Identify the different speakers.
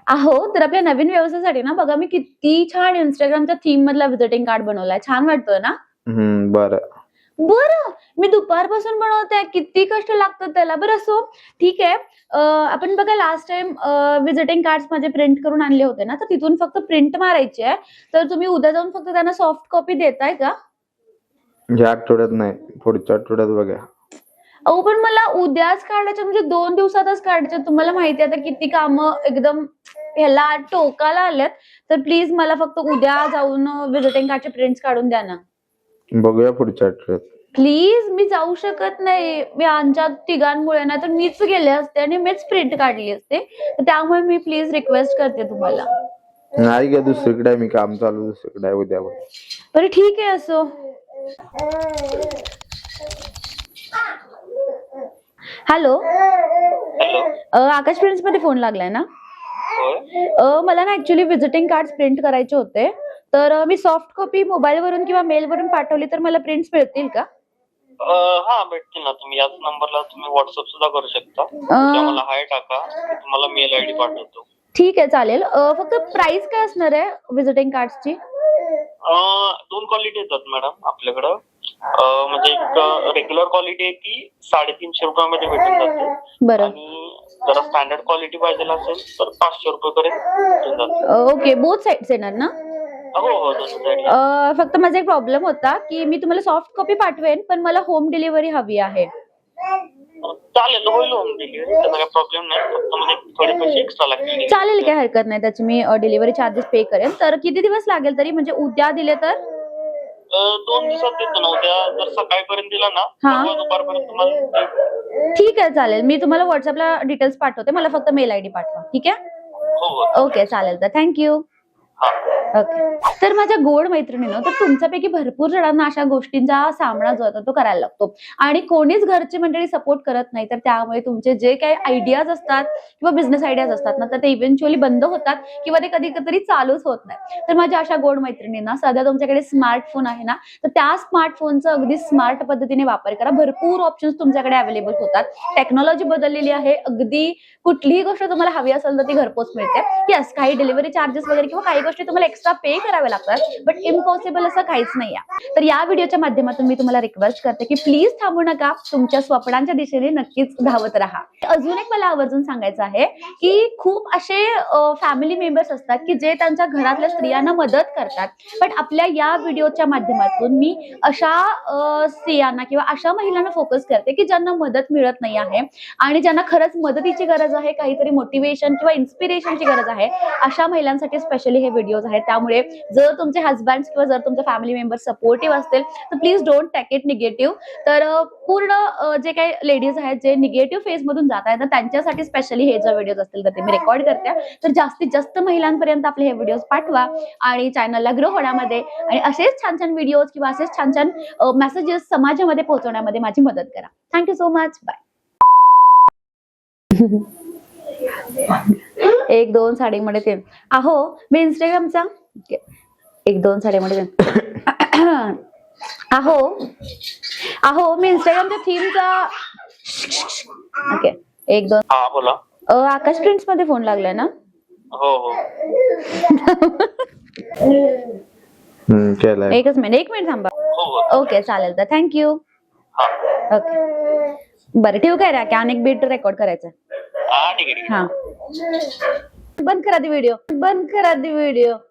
Speaker 1: अहो, तर आपल्या नवीन व्यवसायासाठी ना बघा मी किती छान Instagramच्या थीम मधला व्हिजिटिंग कार्ड बनवलाय. छान वाटतोय ना?
Speaker 2: बरं.
Speaker 1: बरं, मी दुपारपासून बनवते. किती कष्ट लागतात त्याला. बरं असो, ठीक आहे. आपण बघा लास्ट टाईम व्हिजिटिंग कार्ड्स माझे प्रिंट करून आणले होते ना, तर तिथून फक्त प्रिंट मारायची आहे. तर तुम्ही उद्या जाऊन फक्त त्यांना सॉफ्ट कॉपी देताय का?
Speaker 2: या आठवड्यात नाही, पुढच्या आठवड्यात बघा.
Speaker 1: अहो, पण मला उद्याच काढायचे म्हणजे 2 दिवसातच काढायचे. तुम्हाला माहिती आहे आता किती कामं एकदम ह्याला टोकाला आल्यात. तर प्लीज मला फक्त उद्या जाऊन व्हिजिटिंग कार्डचे प्रिंट्स काढून द्या ना.
Speaker 2: बघूया पुढच्या आठवड्यात.
Speaker 1: प्लीज मी जाऊ शकत नाही. मी आमच्या तिघांमुळे ना तर मीच गेले असते आणि मीच प्रिंट काढली असते. तर त्यामुळे मी प्लीज रिक्वेस्ट करते तुम्हाला.
Speaker 2: नाही गे, दुसरीकडे आहे, मी काम चालू दुसरीकडे आहे उद्या.
Speaker 1: बरं ठीक आहे असो. हॅलो, आकाश प्रिंट्स मध्ये फोन लागलाय ना? मला ना ऍक्च्युली व्हिजिटिंग कार्ड प्रिंट करायचे होते. तर मी सॉफ्ट कॉपी मोबाईल वरून किंवा मेल वरून पाठवली तर मला प्रिंट्स मिळतील का?
Speaker 3: हा भेटतील ना. तुम्ही याच नंबरला तुम्ही व्हॉट्सअप सुद्धा करू शकता. मला हाय टाका, तुम्हाला मेल आयडी पाठवतो.
Speaker 1: ठीक आहे चालेल. फक्त प्राइस काय असणार आहे व्हिजिटिंग कार्ड्सची?
Speaker 3: 2 क्वालिटी येतात मॅडम आपल्याकडं. म्हणजे एक रेग्युलर क्वालिटी आहे ती 350 रुपयामध्ये भेटून जाते.
Speaker 1: बरं.
Speaker 3: आणि जरा स्टँडर्ड क्वालिटी पाहिजे असेल तर 500 रुपये भेटून जाते.
Speaker 1: ओके, बोथ साइड्स येणार ना?
Speaker 3: हो दोन्ही साईड.
Speaker 1: फक्त माझा एक प्रॉब्लेम होता की मी तुम्हाला सॉफ्ट कॉपी पाठवेन पण मला होम डिलिव्हरी हवी आहे.
Speaker 3: चालेल, होईल होम डिलिव्हरी, त्याचा काही प्रॉब्लेम नाही. फक्त म्हणजे थोडे पैसे एक्स्ट्रा लागतील.
Speaker 1: चालेल, काही हरकत नाही. त्याची मी डिलिव्हरी चार्जेस पे करेन. तर किती दिवस लागेल तरी, म्हणजे उद्या दिले तर?
Speaker 3: 2 दिवसात देतो ना. उद्या जर सकाळपर्यंत दिला ना तर दुपारपर्यंत तुम्हाला.
Speaker 1: ठीक आहे चालेल. मी तुम्हाला व्हॉट्सअपला डिटेल्स पाठवते. मला फक्त मेल आयडी पाठवा. ठीक आहे?
Speaker 3: हो.
Speaker 1: ओके चालेल. तर थँक्यू. ओके. तर माझ्या गोड मैत्रिणीनं, तर तुमच्यापैकी भरपूर जणांना अशा गोष्टींचा सामना जो होता तो करायला लागतो आणि कोणीच घरची मंडळी सपोर्ट करत नाही. तर त्यामुळे तुमचे जे काही आयडियाज असतात किंवा बिझनेस आयडियाज असतात ना, तर ते इव्हेंच्युअली बंद होतात किंवा ते कधी कधी चालूच होत नाही. तर माझ्या अशा गोड मैत्रिणींना, सध्या तुमच्याकडे स्मार्टफोन आहे ना, तर त्या स्मार्टफोनचा अगदी स्मार्ट पद्धतीने वापर करा. भरपूर ऑप्शन्स तुमच्याकडे अवेलेबल होतात. टेक्नॉलॉजी बदललेली आहे. अगदी कुठलीही गोष्ट तुम्हाला हवी असेल तर ती घरपोच मिळते. येस, काही डिलिव्हरी चार्जेस वगैरे किंवा काही गोष्टी तुम्हाला एक्स्ट्रा पे करावे लागतात, बट इम्पॉसिबल असं काहीच नाही आहे. तर या व्हिडिओच्या माध्यमातून मी तुम्हाला रिक्वेस्ट करते की प्लीज थांबू नका. तुमच्या स्वप्नांच्या दिशेने नक्कीच धावत राहा. अजून एक मला आवर्जून सांगायचं आहे की खूप असे फॅमिली मेंबर्स असतात की जे त्यांच्या घरातल्या स्त्रियांना मदत करतात, पण आपल्या या व्हिडिओच्या माध्यमातून मी अशा स्त्रियांना किंवा अशा महिलांना फोकस करते की ज्यांना मदत मिळत नाही आहे आणि ज्यांना खरंच मदतीची गरज आहे, काहीतरी मोटिवेशन किंवा इन्स्पिरेशनची गरज आहे, अशा महिलांसाठी स्पेशली हे व्हिडिओज आहेत. त्यामुळे जर तुमचे हस्बंड किंवा जर तुमचे फॅमिली मेंबर सपोर्टिव्ह असतील तर please don't take it negative. तर पूर्ण जे काही लेडीज आहेत जे निगेटिव्ह फेज मधून जात आहेत, तर त्यांच्यासाठी स्पेशली हे जे व्हिडिओज असतील तर ते मी रेकॉर्ड करते. तर जास्तीत जास्त महिलांपर्यंत आपले हे व्हिडिओज पाठवा आणि चॅनलला ग्रो होण्यामध्ये आणि असेच छान छान व्हिडिओज किंवा असेच छान छान मेसेजेस समाजामध्ये पोहोचवण्यामध्ये माझी मदत करा. Thank you so much. बाय. 1-2 साडीमध्ये ते. अहो, मी इंस्टाग्रामचा 1-2 साडीमध्ये अहो मी इंस्टाग्रामच्या थीमचा. ओके 1-2.
Speaker 3: हा बोला.
Speaker 1: आकाश प्रिंट्स मध्ये फोन लागलाय ना?
Speaker 3: हो.
Speaker 2: केलाय.
Speaker 1: एक मिनिट थांबा. ओके चालेल. तर थँक्यू. ओके बरं ठेवू काय रे? अनेक बीट रेकॉर्ड करायचं.
Speaker 3: ठीक आहे.
Speaker 1: हा, बंद करा दी व्हिडिओ.